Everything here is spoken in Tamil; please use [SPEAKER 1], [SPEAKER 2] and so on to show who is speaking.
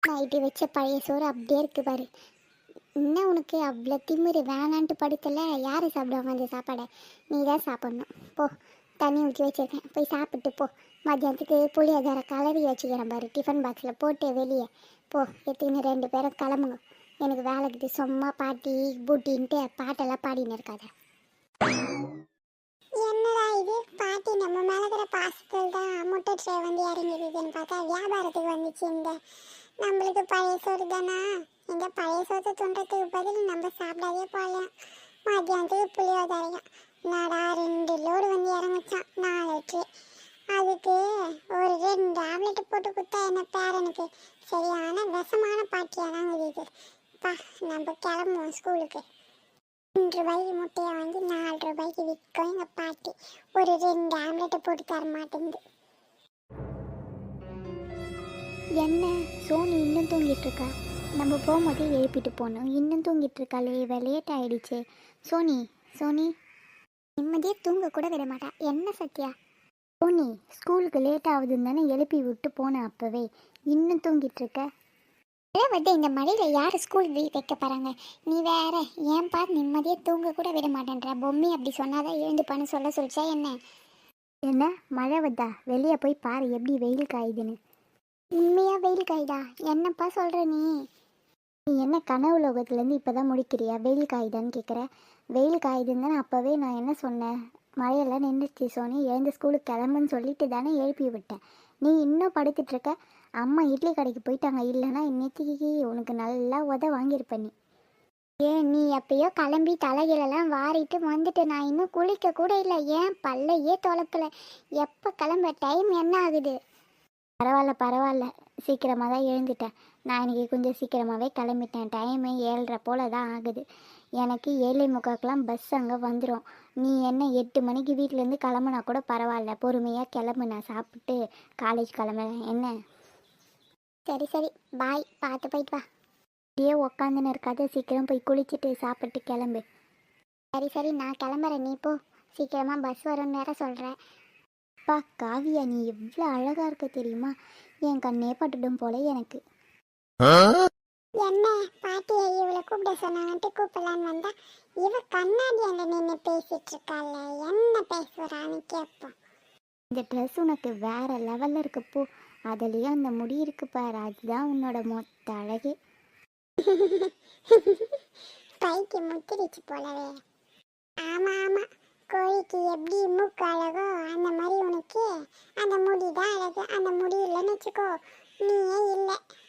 [SPEAKER 1] நைட்டு வச்ச பழைய சோறு அப்படியே இருக்கு பாரு. என்ன உனக்கு அவ்வளோ திமிரு? வேணான்ட்டு படுத்தல, யார் சாப்பிடுவாங்க அந்த சாப்பாடை? நீ தான் சாப்பிட்ணும். போ, தண்ணி ஊற்றி வச்சிருக்கேன், போய் சாப்பிட்டு போ. மத்தியானத்துக்கு புளியோதரை கலரி வச்சுக்கிறேன் பாரு, டிஃபன் பாக்ஸில் போட்டு வெளியே போ. எத்தனை 2 பேரும் கிளம்புங்க. எனக்கு வேலைக்குது. சும்மா பாட்டி பூட்டின்ட்டு பாட்டெல்லாம் பாடின்னு இருக்காத. என்னடா இது, பாட்டி நம்ம மேலே இருக்கிற பாசத்தில் தான் முட்டை ட்ரே வந்து இறங்கிடுதுன்னு பார்த்தா வியாபாரத்துக்கு வந்துச்சு. இந்த நம்மளுக்கு பழைய சோறு தானா? இந்த பழைய சோத்தை துண்டத்துக்கு பதில் நம்ம சாப்பிடாதே போகலாம். மத்தியானத்துக்கு புளியோதரையும் நாடா 2 லோடு வந்து இறங்குச்சான், 4 ட்ரே. அதுக்கு ஒரு 2 ஆம்லெட் போட்டு கொடுத்தா என்ன பேரனுக்கு சரியான விஷமான பாட்டியாக தான் இது. பா, நம்ம கிளம்புவோம் ஸ்கூலுக்கு. 2 ரூபாய்க்கு முட்டையை வாங்கி 4 ரூபாய்க்கு விற்கும் எங்கள் பாட்டி. ஒரு 2 ஆம்லெட்டை போட்டு தர மாட்டேங்குது. என்ன சோனி இன்னும் தூங்கிட்டு இருக்கா? நம்ம போகும்போதே எழுப்பிட்டு போகணும். இன்னும் தூங்கிட்டு இருக்காளே, லேட் ஆயிடுச்சு. சோனி சோனி நிம்மதியாக தூங்க கூட விட மாட்டா. என்ன சத்யா? சோனி ஸ்கூலுக்கு லேட் ஆகுதுன்னு தானே எழுப்பி விட்டு போனேன் அப்போவே, இன்னும் தூங்கிட்டு இருக்க? வந்து இந்த மழையில் யார் ஸ்கூல் வைக்க போகிறாங்க? நீ வேற ஏன்பா நிம்மதியாக தூங்க கூட விட மாட்டேன்ற? பொம்மி அப்படி சொன்னாதான் எழுந்துப்பான்னு சொல்லிச்சா என்ன? என்ன மழை வந்தா? வெளியே போய் பாரு எப்படி வெயில் காயுதுன்னு. உண்மையாக வெயில் காயுதா? என்னப்பா சொல்கிற நீ? நீ என்ன கனவு லோகத்துலேருந்து இப்போ தான் முடிக்கிறியா? வெயில் காயுதான்னு கேட்குற. வெயில் காயுதுன்னு தானே அப்போவே நான் என்ன சொன்னேன்? மழையெல்லாம் நின்றுச்சு சோனி, எழுந்து ஸ்கூலுக்கு கிளம்புன்னு சொல்லிட்டு தானே எழுப்பி விட்டேன். நீ இன்னும் படுத்துட்ருக்க. அம்மா இட்லி கடைக்கு போயிட்டாங்க, இல்லைன்னா இன்னைக்கு உனக்கு நல்லா வாங்கியிருப்பேன் நீ. ஏன் நீ எப்பயோ கிளம்பி தலைகளெல்லாம் வாரிட்டு வந்துட்டு, நான் இன்னும் குளிக்க கூட இல்லை. ஏன் பல்லையே தொலைக்கலை. எப்போ கிளம்ப? டைம் என்ன ஆகுது? பரவாயில்ல பரவாயில்ல, சீக்கிரமாக தான் எழுந்துட்டேன். நான் இன்றைக்கி கொஞ்சம் சீக்கிரமாகவே கிளம்பிட்டேன். டைமு 7:30 போல் தான் ஆகுது. எனக்கு 7:45 பஸ் அங்கே வந்துடும். நீ என்ன 8 மணிக்கு வீட்டிலேருந்து கிளம்புனா கூட பரவாயில்ல, பொறுமையாக கிளம்பு. நான் சாப்பிட்டு காலேஜ் கிளம்புறேன். என்ன? சரி சரி, பாய், பார்த்து போயிட்டு வா. அப்படியே உக்காந்துன்னு இருக்காத, சீக்கிரம் போய் குளிச்சுட்டு சாப்பிட்டு கிளம்பு. சரி சரி, நான் கிளம்புறேன், நீ போ. சீக்கிரமாக பஸ் வரும்னு வேற சொல்கிறேன். அப்பா காவியா, நீ எவ்வளோ அழகாக இருக்க தெரியுமா? என் கண்ணே பட்டுடும் போல எனக்கு. என்ன பாட்டியை இவளை கூப்பிட சொன்னாங்கன்ட்டு கூப்பிடலான்னு வந்தா, இவ கண்ணாடி அங்கே நின்று பேசிட்டு இருக்காள். என்ன பேசுறான்னு கேட்போம். இந்த ட்ரெஸ் உனக்கு வேற லெவலில் இருக்கு போ. அதுலேயும் அந்த முடி இருக்கு பாரு, அதுதான் உன்னோட மொத்த அழகே. கைக்கு முத்திரிச்சு போலவே. ஆமா ஆமா, கோழிக்கு எப்படி மூக்கு அழகோ அந்த மாதிரி உனக்கு அந்த முடி தான் அழகு. அந்த முடி இல்லைன்னு வச்சுக்கோ, நீயே இல்லை.